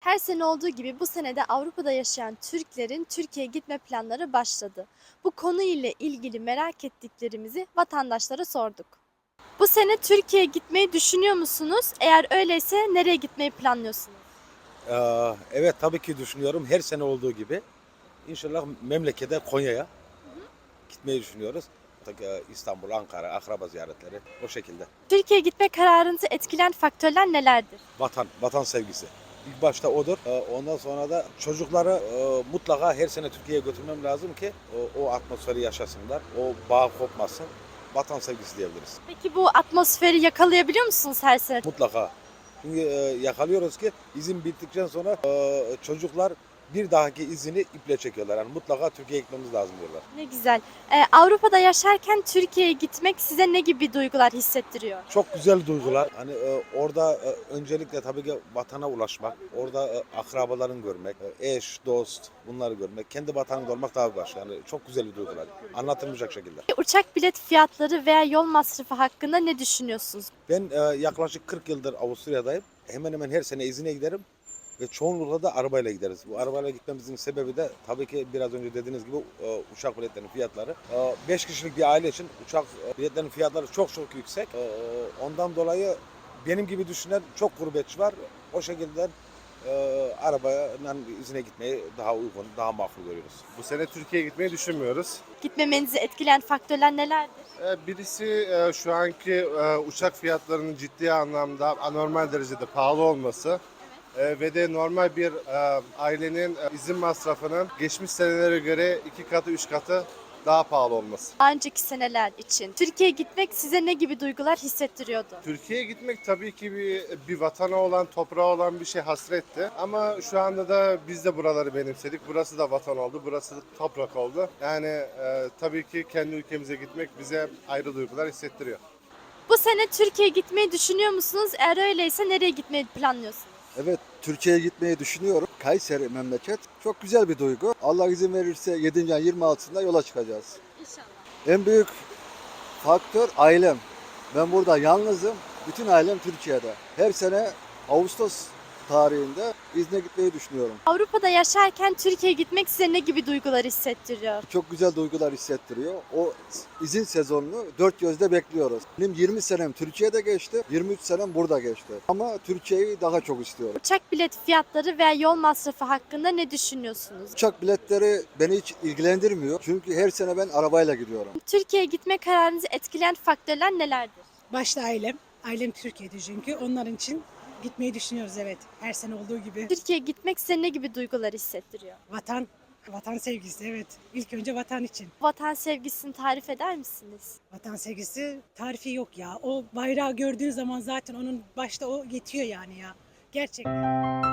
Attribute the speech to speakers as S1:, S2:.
S1: Her sene olduğu gibi bu sene de Avrupa'da yaşayan Türklerin Türkiye'ye gitme planları başladı. Bu konu ile ilgili merak ettiklerimizi vatandaşlara sorduk. Bu sene Türkiye'ye gitmeyi düşünüyor musunuz? Eğer öyleyse nereye gitmeyi planlıyorsunuz?
S2: Evet tabii ki düşünüyorum. Her sene olduğu gibi. İnşallah memlekete Konya'ya gitmeyi düşünüyoruz. İstanbul, Ankara, akraba ziyaretleri o şekilde.
S1: Türkiye'ye gitme kararınızı etkileyen faktörler nelerdir?
S2: Vatan sevgisi. İlk başta odur. Ondan sonra da çocukları mutlaka her sene Türkiye'ye götürmem lazım ki o atmosferi yaşasınlar. O bağ kopmasın. Vatan sevgisi diyebiliriz.
S1: Peki bu atmosferi yakalayabiliyor musunuz her sene?
S2: Mutlaka. Çünkü yakalıyoruz ki izin bittikten sonra çocuklar bir dahaki izini iple çekiyorlar. Yani mutlaka Türkiye'ye gitmemiz lazım diyorlar.
S1: Ne güzel. Avrupa'da yaşarken Türkiye'ye gitmek size ne gibi duygular hissettiriyor?
S2: Çok güzel duygular. Hani orada öncelikle tabii ki vatana ulaşmak, orada akrabaların görmek, eş, dost bunları görmek, kendi vatanında olmak daha başka. Yani çok güzel bir duygular. Anlatılmayacak şekilde.
S1: Uçak bilet fiyatları veya yol masrafı hakkında ne düşünüyorsunuz?
S2: Ben yaklaşık 40 yıldır Avusturya'dayım. Hemen hemen her sene izine giderim. Ve çoğunlukla da arabayla gideriz. Bu arabayla gitmemizin sebebi de tabii ki biraz önce dediğiniz gibi uçak biletlerinin fiyatları. 5 kişilik bir aile için uçak biletlerinin fiyatları çok yüksek. Ondan dolayı benim gibi düşünen çok gurbetçi var. O şekilde arabayla izine gitmeyi daha uygun, daha makul görüyoruz.
S3: Bu sene Türkiye'ye gitmeyi düşünmüyoruz.
S1: Gitmemenizi etkileyen faktörler nelerdir?
S3: Birisi şu anki uçak fiyatlarının ciddi anlamda anormal derecede pahalı olması. Ve de normal bir ailenin izin masrafının geçmiş senelere göre 2 katı 3 katı daha pahalı olması.
S1: Daha önceki seneler için Türkiye'ye gitmek size ne gibi duygular hissettiriyordu?
S3: Türkiye'ye gitmek tabii ki bir vatana olan, toprağa olan bir şey hasretti. Ama şu anda da biz de buraları benimsedik. Burası da vatan oldu, burası da toprak oldu. Yani tabii ki kendi ülkemize gitmek bize ayrı duygular hissettiriyor.
S1: Bu sene Türkiye'ye gitmeyi düşünüyor musunuz? Eğer öyleyse nereye gitmeyi planlıyorsunuz?
S4: Evet, Türkiye'ye gitmeyi düşünüyorum. Kayseri memleket. Çok güzel bir duygu. Allah izin verirse 7. ayın 26'sında yola çıkacağız.
S1: İnşallah.
S4: En büyük faktör ailem. Ben burada yalnızım. Bütün ailem Türkiye'de. Her sene Ağustos tarihinde izne gitmeyi düşünüyorum.
S1: Avrupa'da yaşarken Türkiye'ye gitmek size ne gibi duygular hissettiriyor?
S4: Çok güzel duygular hissettiriyor. O izin sezonunu dört gözle bekliyoruz. Benim 20 senem Türkiye'de geçti, 23 senem burada geçti. Ama Türkiye'yi daha çok istiyorum.
S1: Uçak bilet fiyatları veya yol masrafı hakkında ne düşünüyorsunuz?
S4: Uçak biletleri beni hiç ilgilendirmiyor. Çünkü her sene ben arabayla gidiyorum.
S1: Türkiye'ye gitme kararınızı etkileyen faktörler nelerdir?
S5: Başta ailem. Ailem Türkiye'de çünkü. Onların için gitmeyi düşünüyoruz, evet. Her sene olduğu gibi.
S1: Türkiye'ye gitmek size ne gibi duygular hissettiriyor?
S5: Vatan sevgisi, evet. İlk önce vatan için.
S1: Vatan sevgisini tarif eder misiniz?
S5: Vatan sevgisi tarifi yok ya. O bayrağı gördüğün zaman zaten onun başta o yetiyor yani ya. Gerçekten.